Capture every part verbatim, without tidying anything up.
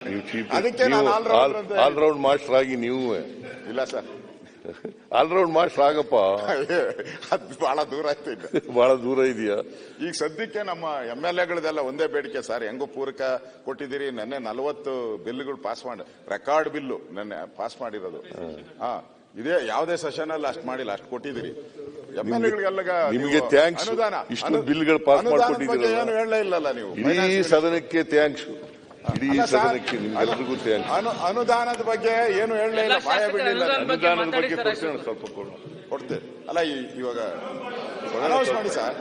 ಅದಕ್ಕೆ ನಾನು all round master ಆಗಿ ನೀವು ಇಲ್ಲ ಸರ್, ಆಲ್ರೌಂಡ್ ಮಾಸ್ಟರ್ ಆಗಪ್ಪ. ಅದು ಬಹಳ ದೂರ ಆಯ್ತು, ಈಗ ಬಹಳ ದೂರ ಇದೆಯಾ? ಈಗ ಸದ್ಯಕ್ಕೆ ನಮ್ಮ ಎಂ ಎಲ್ ಎಗಳದೆಲ್ಲ ಒಂದೇ ಬೇಡಿಕೆ ಸರ್, ಹೆಂಗೋ ಪೂರಕ ಕೊಟ್ಟಿದ್ದೀರಿ. ನೆನ್ನೆ ನಲವತ್ತು ಬಿಲ್ಗಳು ಪಾಸ್ ಮಾಡಿ, ರೆಕಾರ್ಡ್ ಬಿಲ್ಲು ನೆನ್ನೆ ಪಾಸ್ ಮಾಡಿರೋದು. ಹಾ, ಇದೇ ಯಾವುದೇ ಸೆಷನ್ ಅಲ್ಲಿ ಅಷ್ಟು ಮಾಡಿಲ್ಲ, ಅಷ್ಟು ಕೊಟ್ಟಿದ್ದೀರಿ ಎಂ ಎಲ್ ಎಗಳಿಗೆಲ್ಲ. ನಿಮಗೆ ಥ್ಯಾಂಕ್ಸ್. ಅನುದಾನ ಇಷ್ಟು ಬಿಲ್ಗಳು ಪಾಸ್ ಮಾಡಿಕೊಟ್ಟಿದ್ದೀರಿ, ಏನು ಹೇಳಲೇ ಇಲ್ಲಲ್ಲ ನೀವು. ಇಡೀ ಸದನಕ್ಕೆ ಥ್ಯಾಂಕ್ಸ್. ಇಡೀ ಸದನಕ್ಕೆ ನಿಮ್ಗೆಲ್ರಿಗೂ ಥ್ಯಾಂಕ್ಸ್. ಅನುದಾನದ ಬಗ್ಗೆ ಏನು ಹೇಳಲೇ ಇಲ್ಲ, ಬಾಯ ಬಿಡಲಿಲ್ಲ. ಅನುದಾನದ ಬಗ್ಗೆ ಕೊಡ್ತೇನೆ, ಸ್ವಲ್ಪ ಕೊಡ್ತೇವೆ. ಅಲ್ಲ ಇವಾಗ ಅನೌನ್ಸ್ ಮಾಡಿ ಸರ್.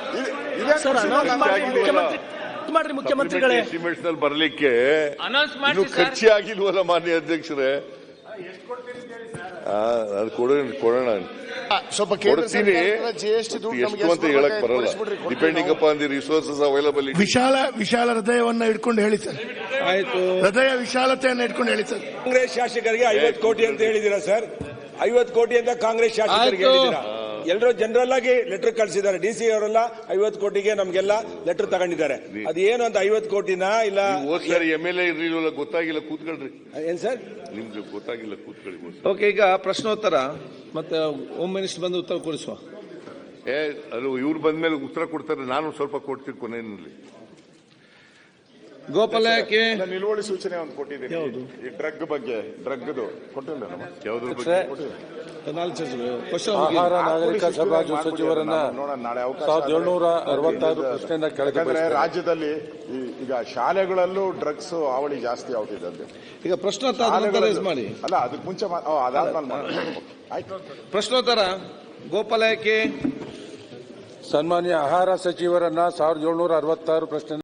ಮಾಡ್ರಿ ಮುಖ್ಯಮಂತ್ರಿಗಳೇ, ಎಸ್ಟಿಮೇಟ್ಸ್ ನಲ್ಲಿ ಬರ್ಲಿಕ್ಕೆ ಇನ್ನು ಖರ್ಚೆ ಆಗಿಲ್ವಲ್ಲ ಮಾನ್ಯ ಅಧ್ಯಕ್ಷರೇ? ಅದು ಕೊಡೋಣ ಕೊಡೋಣ ಸ್ವಲ್ಪ ಕೊಡ್ತೀನಿ. ಎಷ್ಟು ಅಂತ ಹೇಳಕ್ ಬರಲ್ಲ, depending upon the resources available. ವಿಶಾಲ ವಿಶಾಲ ಹೃದಯವನ್ನ ಇಟ್ಕೊಂಡು ಹೇಳಿ ಸರ್. ಆಯ್ತು, ಹೃದಯ ವಿಶಾಲತೆಯನ್ನ ಇಟ್ಕೊಂಡು ಹೇಳಿ ಸರ್. ಕಾಂಗ್ರೆಸ್ ಶಾಸಕರಿಗೆ ಐವತ್ತು ಕೋಟಿ ಅಂತ ಹೇಳಿದಿರಾ ಸರ್? ಐವತ್ತು ಕೋಟಿ ಅಂತ ಕಾಂಗ್ರೆಸ್ ಶಾಸಕರಿಗೆ ಹೇಳಿದಿರಾ? ಎಲ್ಲರೂ ಜನರಲ್ ಆಗಿ ಲೆಟರ್ ಕಳಿಸಿದ್ದಾರೆ. ಡಿ ಸಿ ಅವರೆಲ್ಲ ಐವತ್ತು ಕೋಟಿಗೆ ನಮ್ಗೆಲ್ಲ ಲೆಟರ್ ತಗೊಂಡಿದ್ದಾರೆ. ಅದು ಏನು ಅಂತ ಐವತ್ತು ಕೋಟಿನ ಇಲ್ಲ ಸರ್ ಎಂ ಎಲ್ ಎ ಇರಲಿಲ್ಲ, ಗೊತ್ತಾಗಿಲ್ಲ, ಕೂತ್ಕೊಳ್ರಿ. ಏನ್ ಸರ್ ನಿಮ್ಗೆ ಗೊತ್ತಾಗಿಲ್ಲ, ಕೂತ್ಕೊಳ್ಳಿ. ಓಕೆ, ಈಗ ಪ್ರಶ್ನೋತ್ತರ ಮತ್ತೆ ಹೋಮ್ ಮಿನಿಸ್ಟರ್ ಬಂದು ಉತ್ತರ ಕೊಡಿಸುವ. ಏ ಅದು ಇವ್ರು ಬಂದ್ಮೇಲೆ ಉತ್ತರ ಕೊಡ್ತಾರೆ, ನಾನು ಸ್ವಲ್ಪ ಕೊಡ್ತೀನಿ ಕೊನೆಯಲ್ಲಿ. ಗೋಪಾಲ ಯಾಕೆ ನಿಲುವಳಿ ಸೂಚನೆ ಒಂದು ಕೊಟ್ಟಿದ್ದೀನಿ ಈ ಡ್ರಗ್ ಬಗ್ಗೆ. ಡ್ರಗ್ದು ಕೊಟ್ಟಿಲ್ಲ, ಯಾವ್ದ್ರ ಬಗ್ಗೆ? ಆಹಾರ ನಾಗರಿಕ ಸರಬರಾಜು ಸಚಿವರನ್ನ ಸಾವಿರದ ಏಳ್ನೂರ ಅರವತ್ತಾರು ಪ್ರಶ್ನೆಯನ್ನ ಕೆಳಗೆ. ರಾಜ್ಯದಲ್ಲಿ ಈಗ ಶಾಲೆಗಳಲ್ಲೂ ಡ್ರಗ್ಸ್ ಹಾವಳಿ ಜಾಸ್ತಿ ಆಗ್ತಿದೆ ಅಂತ. ಈಗ ಪ್ರಶ್ನೋತ್ತರ ಮಾಡಿ. ಅಲ್ಲ, ಅದಕ್ಕೆ ಮುಂಚೆ ಅದಾದ್ಮೇಲೆ ಆಯ್ತು. ಪ್ರಶ್ನೋತ್ತರ ಗೋಪಾಲ ಯಾಕೆ ಸನ್ಮಾನ್ಯ ಆಹಾರ ಸಚಿವರನ್ನ ಸಾವಿರದ ಏಳ್ನೂರ ಅರವತ್ತಾರು ಪ್ರಶ್ನೆ